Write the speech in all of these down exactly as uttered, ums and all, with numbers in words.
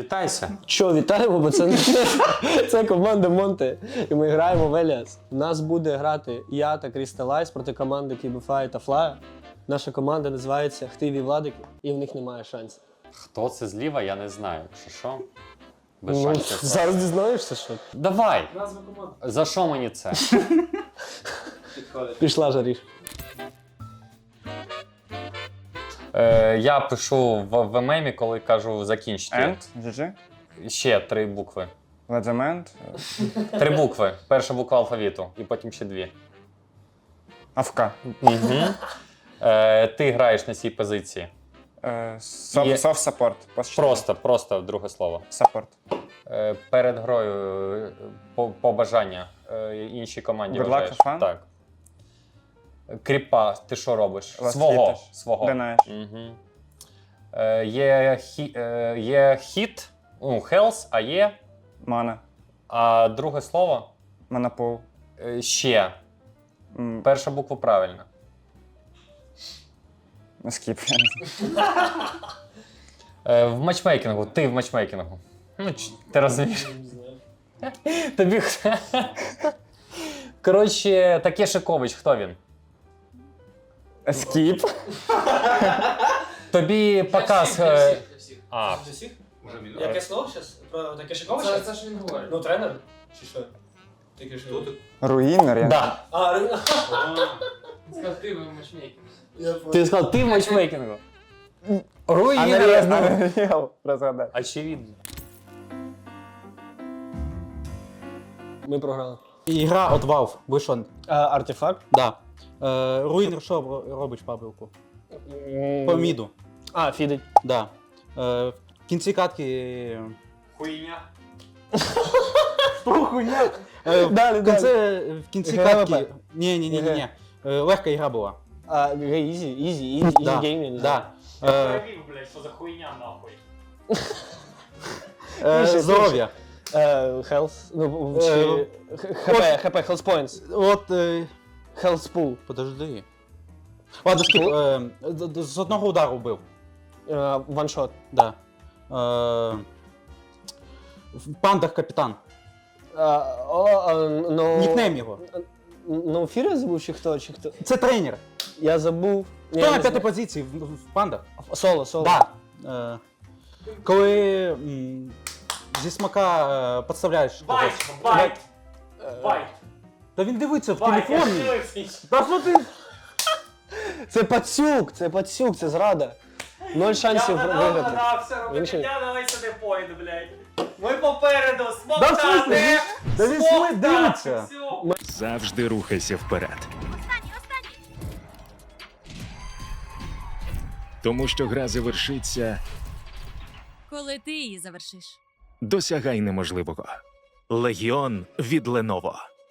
Вітайся. Що, вітаємо, бо це, це команда Монте. І ми граємо в Еліас. У нас буде грати я та Crystal проти команди Кібіфай та Флая. Наша команда називається Хтиві Владики, і в них немає шансів. Хто це зліва, я не знаю. Що що? Без Ну, шансів. зараз дізнаєшся, що? Давай! Назва команди. За що мені це? Пішла жаріш. Е, я пишу в, в мемі, коли кажу закінчити. End, джі джі, Ще три букви. Ledgement, Три букви. Перша буква алфавіту, і потім ще дві. АФК. Угу. Е, ти граєш на цій позиції. Е, Soft Є- soft support. Пост Просто, просто друге слово. Support. Е, перед грою е, по- побажання е, іншій команді Good luck, вважаєш. have fun? Так. Кріпа, ти що робиш? Last Свого. hit. Свого. Денаєш. Угу. Е, є, хі, е, є хіт, ну, health, а є, Мана. а друге слово Манапул. е, ще. М, Перша буква правильна. Скіп. Е, в матчмейкінгу, ти в матчмейкінгу. Ну, ч- ти розумієш? Тобі. Коротше, Такешикович, хто він? Скіп. Тобі показ. Для е, всіх, для всіх. А, Для всіх? Яке слово зараз? Про таке Шиковича? Це, це ж він говорить. Ну, тренер? Чи що? Таке що? Руїнер. я- да. А, Рина. Він сказав, ти ви матчмейкінг. Я понял. Ти сказав, ти в матчмейкінгу. Unreal, Руїнер. Unreal, розгадай. Очевидно. Ми програли. Ігра от Valve вийшла. А, артефакт? Да. Е, Руїнер що ро- робить пабелку? По міду. А, фідить. Да. Е, в кінці катки. Хуйня. Е, в, Далі, кінці, в кінці ГВП. катки. Ні, ні, ні, ні, ні. Е, легка ігра була. А, ізі, ізі, ізі, ізі Да. гейм, я не знаю. Да. Е, блядь, що за хуйня нахуй. е, Більше, здоров'я. Е, Health, ну, Е, чи... ХП, ХП, Health Points. От. Е, Health Pool. подожди. Ладно, скіп. Е, д- д- з одного удару вбив. Е, Ваншот. Да. Е, в пандах капітан. Е, о, е, ну... Нікнейм його. Ну, Фіря забув, чи хто, чи хто? Це тренер. Я забув. Ні, Хто я на не п'ятій знаю. позиції в, в пандах? Соло, соло. Да. Е, коли м, зі смака е, підставляєш когось. байт. Байт. Та він дивиться в телефоні. Та що ти? Це пацюк, це пацюк, це зрада. Ноль шансів виграти. Він ще- давай сюди поїду, блядь. Ми попереду, Да в смоктати! смислі? Та він сміх дивиться. Завжди рухайся вперед. Тому що гра завершиться, Коли ти її завершиш. досягай неможливого. Легіон від Lenovo.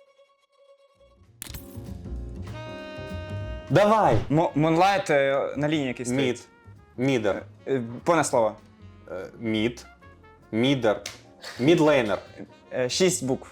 Давай! Мо- Moonlight е, на лінії якийсь стоїть. Мід. Мідер. Е, Повне слово. Е, Мід. Мідер. Мідлейнер. Е, Шість букв.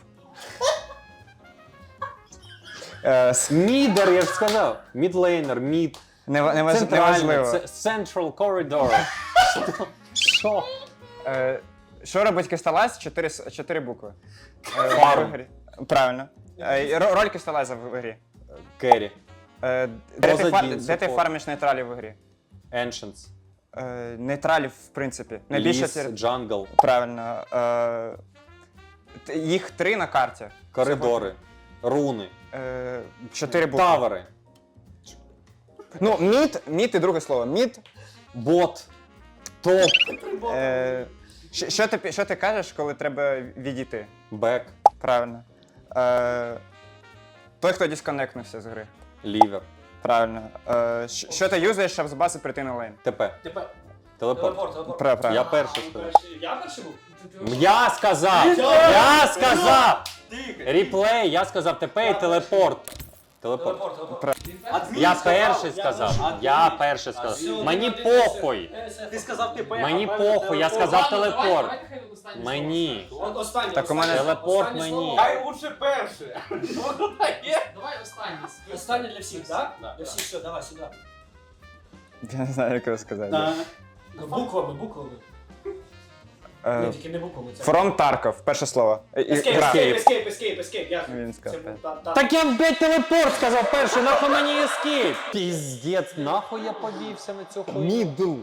Е, с- Мідер, я ж сказав. Мідлейнер, мід. не- не важ- Центральний. Неважливо. Це Central Corridor. Що? Що? Е, Що робить Кристалайз? Чотири, с- чотири букви. Е, Фарм. в грі. Правильно. Е, ро- Роль Кристалайза в грі. Керрі. Е, Де ти, Поза фар... Дін, де ти support. фармиш нейтралів в грі? Ancients. Е, Нейтралів, в принципі. Найбільше Ліс, тір- джангл. Правильно. Е, т- Їх три на карті. Коридори. Руни. Е, Чотири букви. Тавери. Ну, мід, мід і друге слово. Мід. Бот. Топ. Е, що, що, ти, що ти кажеш, коли треба відійти? Бек. Правильно. Е, той, хто дисконектнувся з гри. Лівер. Правильно. Е, що, що ти юзаєш, щоб з баси прийти на лейн? ТП. Тепер. Телепорт. Телепорт, телепорт. Пра- Правильно. Я перший сказав. Перший. Я перший був? Я сказав! Я сказав! Реплей, я сказав ТП і телепорт. Телепорт. Телепорт, телепорт. Я перший сказав. Я перший сказав. Мені похуй. Ти сказав ти Мені похуй, я сказав телепорт. Давайте хай останнє Мені. Останній. Так у мене- Телепорт останнє мені. слово. Хай лучше перше. Давай останнє. Останнє для всіх, так? Для всіх, все, давай сюди. Я не знаю, як його сказати. Буквами, буквами. Е, Ні, тільки не буквами. це- From Tarkov, перше слово. І- і- Escape, гра. escape, escape, escape, escape. Я Він сказав, це був так. та- та- Так я блядь, телепорт сказав перший, нахуй мені ескейп. Піздець, нахуй я повівся на цю хуйню. Мідл.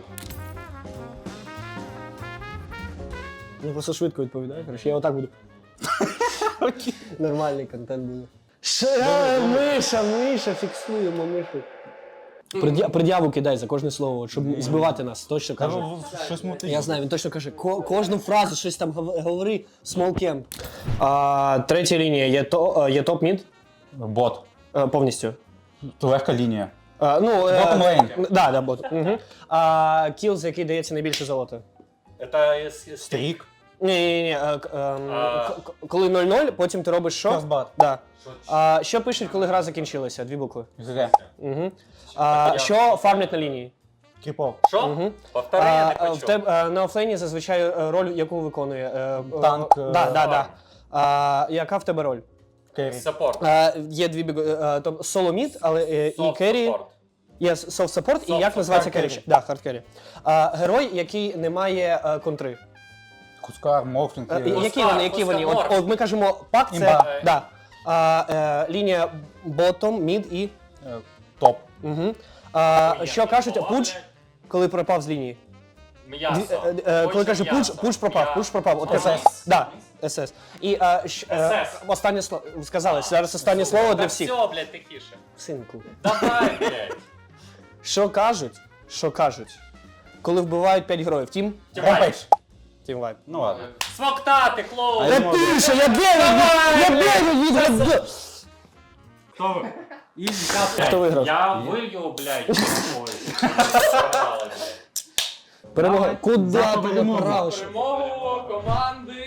Ну просто швидко відповідаю, коротше, я отак буду. Нормальний контент буде. Ш- е, Миша, Миша, фіксуємо Мишу. Пред'я- Пред'яву кидай за кожне слово, от, щоб збивати нас, точно каже. Щось мутить. Я знаю, він точно каже, ко- кожну фразу щось там гов- говори, small camp. А, третя лінія є, то, є топ-мід Бот. е, повністю. Легка лінія. А, ну, е, Bottom lane. Да, да, бот. Угу. А, кіл, за який дається найбільше золота. Це Стрік. Ні, ні, ні. е, к- ем, А. к- к- Коли нуль-нуль, потім ти робиш що? First blood. Да. А, що пишуть, коли гра закінчилася? Дві букви. ГГ. Угу. А, що фармлять на лінії? Кріпов. Що? Угу. Повтори, я не А, в почув. теб, е, на офлейні зазвичай е, роль, яку виконує? Е, е, Танк, е, Да, да, да. А, яка в тебе роль? Керрі. Саппорт. А, є дві біг... е, то соло мід, але е, і Soft керрі. support. Є софт саппорт, і Soft як називається hard керрі? carry. Да, хард керрі. А, герой, який не має е, контри. Кускар, Морфлінг. Е, Керрі. які вони, які вони? От, Пускар. от ми кажемо пак, це Імба. да. А, е, лінія ботом, мід і. Е, Топ. Угу. А, Ой, що я кажуть, не пуч, коли пропав з лінії. М'ясо. Дві- е, е, коли Очень каже пуч, м'ясо. пуч пропав, Я- пуч пропав. От ес це. ес. Да, ес ес. І е, щ- е, ес ес. останнє слово сказали, зараз останнє слово для Так всіх. все, блядь, тихіше. Синку. Давай, блядь. Що кажуть? Що кажуть? Коли вбивають п'ять героїв, тім? Ремпейдж. Тім вайп. Ну ладно. Смоктати, клоун. Я тише, я дев'ять! Я дев'ять від Хто ви? Хто виграв? Я вилью, блядь. Ой. Програли, блядь. Перемога. Куди За ти перемогу. направиш? Перемогу команди.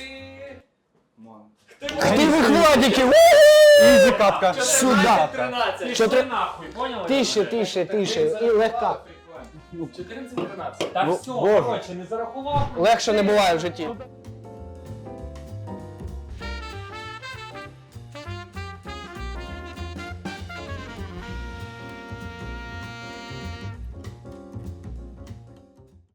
Ти вихватники! Ізі катка. Сюда. тринадцять. Чотири- нахуй, поняли? Тише, тише, тише. І легка. чотирнадцять тринадцять. Так Ну, все, Боже. коротше, не зарахував. Легше не буває в житті.